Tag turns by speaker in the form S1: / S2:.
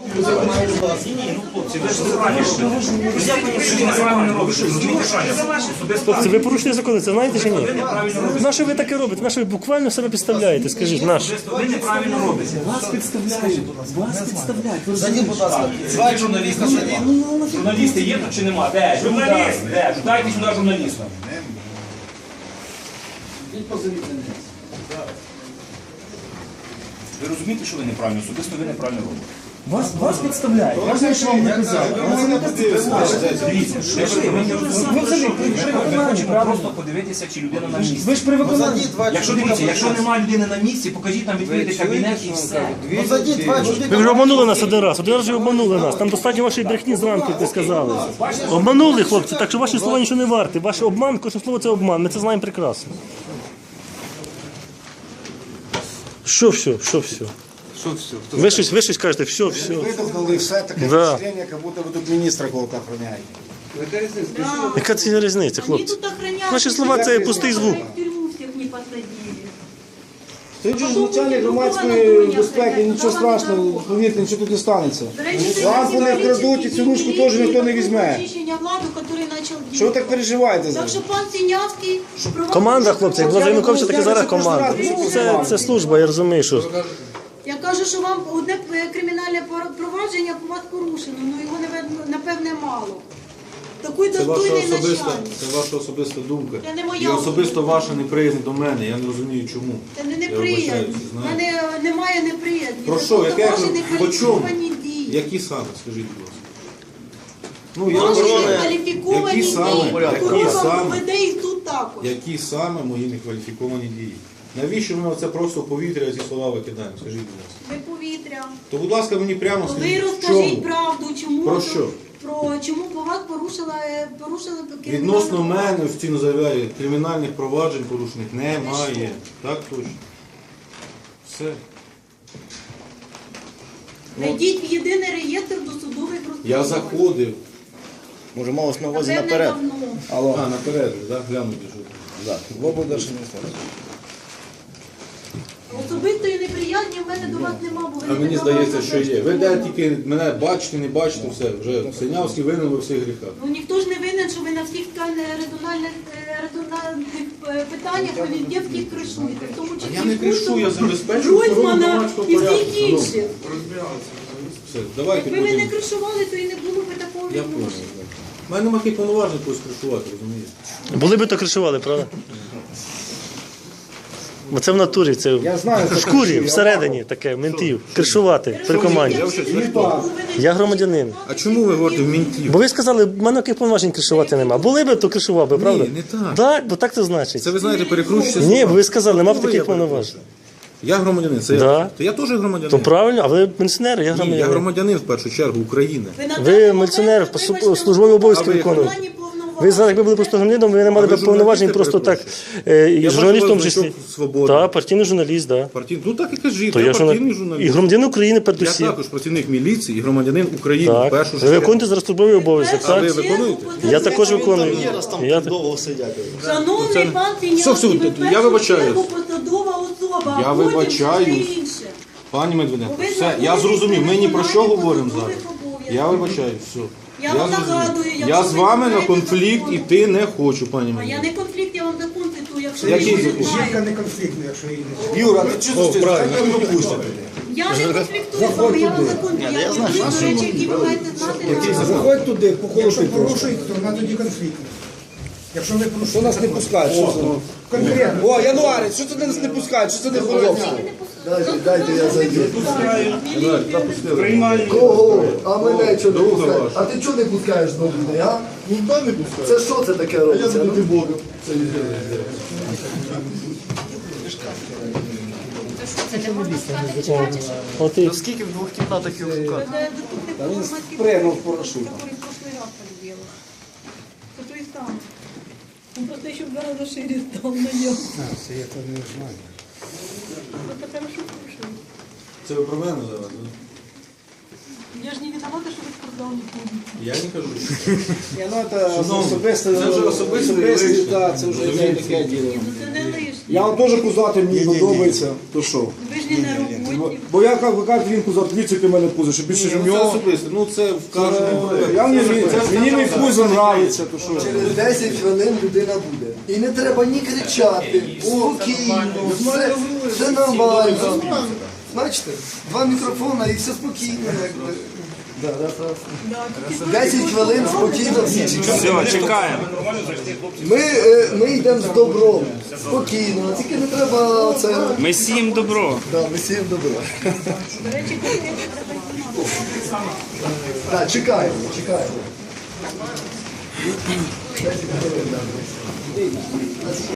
S1: Ні, ну хлопці, ви ж неправильно робите.
S2: Хлопці, ви порушуєте закони, це знаєте чи ні? На що ви таке робите? На що ви буквально себе підставляєте? Скажіть, на що?
S1: Ви неправильно робите.
S3: Вас підставляють. Вас підставляють. Ви
S4: Зайдіть, будь ласка. Два журналіста сидіть.
S1: Журналісти є тут чи нема? Де? Журналіст! Де? Дайте сюди журналіста. Ви розумієте, що ви неправильно? Особисто ви неправильно робите.
S3: Вас підставляють. Я знаю, що вам не казав.
S1: Дивіться, ви хочете просто подивитися, чи людина на місці.
S3: Ви ж при виконанні.
S1: Якщо немає людини на місці, покажіть нам, відкрийте кабінет і все.
S4: Ну зайдіть, два чоловіка.
S2: Ви вже обманули нас один раз ви обманули нас. Там достатньо вашої брехні зранку, як ви сказали. Обманули, хлопці, так що ваші слова нічого не варті. Ваш обман, кожне слово це обман, ми це знаємо прекрасно. Що все?
S5: Що все?
S2: Ви щось кажете, все.
S5: Видохнули все таке впечатлення, як будто ви тут міністра кого-то охороняєте.
S2: Яка це різниця, хлопці? Наші слова це пустий звук.
S5: Тут же ж начальник громадської безпеки, нічого страшного, повірте, нічого тут не станеться. Лампу не вкрадуть і цю ручку теж ніхто не візьме. Що ви так переживаєте за
S6: Так
S5: це?
S6: що пан Синявський...
S2: Команда, хлопці, як було за Януковича, так і зараз команда. Це служба, я розумію, що...
S6: Я кажу, що вам одне кримінальне провадження по вас порушено, ну його, напевне, мало. Такий достойний начальник.
S7: Це ваша особиста думка.
S6: Це не моя
S7: І особисто
S6: особиста.
S7: ваша неприязнь до мене. Я не розумію чому.
S6: Це не
S7: Я
S6: неприємність.
S7: вибачаюся,
S6: У
S7: знаєте.
S6: мене немає неприємності.
S7: Про
S6: Це
S7: що?
S6: просто
S7: Яке?
S6: ваші
S7: По чому?
S6: некваліфіковані дії.
S7: Які саме, скажіть, будь ласка. Ну, я
S6: Ваші
S7: вважаю,
S6: некваліфіковані
S7: які саме,
S6: дії.
S7: які
S6: Прокурор вам
S7: саме,
S6: веде їх тут також.
S7: які саме мої некваліфіковані дії? Навіщо ми це просто в повітря ці слова викидаємо? Скажіть, будь ласка.
S6: Ви повітря.
S7: То, будь ласка, мені прямо
S6: Ви
S7: скажіть, в
S6: розкажіть
S7: чому?
S6: правду, чому...
S7: Про що?
S6: Чому по вас порушили
S7: Відносно мене, офіційно заявляю, кримінальних проваджень порушених немає. Так точно. Все.
S6: Введіть в єдиний реєстр досудових розслідувань.
S7: Я заходив.
S5: Може, малось на увазі
S6: Напевне,
S5: наперед.
S6: давно.
S5: Алло,
S7: А, наперед, так? Глянути, що.
S5: так, в облдержадміністрації.
S6: Особистої неприязні в мене до вас нема, бо ви
S7: А
S6: не
S7: мені
S6: давали
S7: здається, що є. Ви де
S6: запрошення.
S7: тільки мене бачите, не бачите, все. Вже Синявський винен у всіх гріхах.
S6: Ну ніхто ж не винен, що ви на всіх резональних питаннях ви везде всіх кришуєте. В тому числі
S7: Я не кричу, я забезпечую охорону
S6: Гройсмана
S7: громадського
S6: і
S7: порядку.
S6: всіх інших.
S7: Все, давайте
S6: Якби ви не
S7: будемо.
S6: кришували, то і не було б такого
S7: Я понял.
S6: відношення.
S7: У мене немає повноважень когось кришувати, розумієте?
S2: Були би то кришували, правда? Бо це в натурі, це
S5: Я знаю,
S2: в
S5: що
S2: шкурі,
S5: кришує,
S2: всередині таке, ментів, кришувати при команді. Я громадянин.
S7: А чому ви говорите в мінтів?
S2: Бо ви сказали, в мене яких повноважень кришувати нема. Були би, то кришував би, правда?
S7: не так.
S2: Так, бо так це значить.
S7: Це ви знаєте, перекручуєте.
S2: Ні, бо ви сказали, нема б
S7: Кого
S2: таких
S7: я перепрошую?
S2: повноважень.
S7: Я громадянин, це
S2: Да.
S7: я. То я теж громадянин.
S2: То правильно, а ви пенсіонер, я
S7: Ні, я
S2: громадянин.
S7: громадянин в першу чергу України.
S2: Ви міліціонер, службові обов'язки виконуєте. Ви зараз, якби були просто громадянином, ви не мали
S7: А ви
S2: б повноважень
S7: журналіст,
S2: просто так,
S7: я
S2: і журналістом в
S7: бачу, у
S2: числі.
S7: вас значок «Свобода».
S2: Так, партійний журналіст, так.
S7: Ну так і кажіть,
S2: То
S7: я
S2: я
S7: партійний
S2: і
S7: журналіст.
S2: громадянин України
S7: Я
S2: передусім.
S7: також працівник міліції і громадянин України в
S2: Так.
S7: першу
S2: Ви
S7: чергу.
S2: виконуєте зараз службовий обов'язок,
S7: А ви
S2: так?
S7: виконуєте?
S2: Я також виконую. Я так-
S5: довго сидять.
S6: Шановний пан
S7: Все,
S6: Синявський, ви
S7: я
S6: в першу
S7: вибачаюсь.
S6: чергу посадова особа,
S7: Я
S6: а потім
S7: вибачаюсь.
S6: все інше.
S7: Пані Медведенко,
S6: Ви
S7: все,
S6: знаходитесь
S7: я зрозумів, ми ні про що
S6: виконанні
S7: говоримо
S6: посадових
S7: зараз.
S6: обов'язків.
S7: Я вибачаю, все.
S6: Я вам
S7: зрозумів.
S6: нагадую, якщо
S7: Я
S6: ви
S7: з вами
S6: не
S7: на
S6: знаєте
S7: конфлікт
S6: закону.
S7: іти не хочу, пані
S6: А я
S7: Медведенко.
S6: не конфлікт, я вам закон цитую, якщо
S7: Який
S6: ви
S7: закон?
S6: не знаєте.
S3: не конфліктна, якщо її не...
S5: Юра, ти чого ти правильно пропустите?
S6: Я не конфліктую з вами, я вам закон даю. Я до речі, які ви маєте знати.
S5: Заходь туди, похолодуй
S3: Якщо
S5: трошки.
S3: порушуєте, то вона тоді конфліктна. Якщо ви
S5: Що
S3: порушуєте,
S5: нас не пускають? Що це?
S3: конкретно.
S5: О, януарець, що це нас не пускають? Що це не подобається?
S4: Дайте я зайду.
S7: Запустили.
S4: Кого? А мене чого не
S7: Друга
S4: пускаєш?
S7: ваша.
S4: А ти чого не пускаєш до людей, а? Ніхто не пускає. Це що це таке робиться? Я Богом.
S2: От і
S4: Скільки в двох кімнатах його шукати?
S6: Та він
S5: спригнув в парашут.
S6: Который в прошлый раз так делал. Это то и самое. Он просто еще в гораздо шире стал на нем.
S3: Це я то не знаю.
S6: Это хорошо слушаю.
S7: Це ви про мене зараз, так?
S6: Я же не виновата, что вы спортзал не ходите.
S7: Я не кажу.
S5: Ні, ну це
S7: Шановні,
S5: особисте,
S7: це вже особисте,
S5: особисте,
S7: лишнє.
S5: так, це вже
S7: Розумієте?
S5: таке діло.
S6: Ну це не лишнє.
S5: Я вам теж пузатий, мені подобається. То що?
S6: Ви ж не на роботі.
S5: Бо я, ви кажете, він пузатий, дивіться, який в мене пузо, що більше ж в
S7: Це
S5: нього.
S7: особисто, ну це в кожному.
S5: Мені мій пузо нравиться, то що?
S4: Через 10 хвилин людина буде. І не треба ні кричати, спокійно, все нормально. Бачите, 2 мікрофона і все спокійно. Якби. 10 хвилин спокійно всі чекають.
S1: Все, чекаємо.
S4: Ми йдемо з добром, спокійно, тільки не треба це.
S1: Ми сіємо добро.
S4: Да, ми сіємо добро.
S6: До речі, конкретно треба знімати.
S4: Так, чекаємо, чекаємо.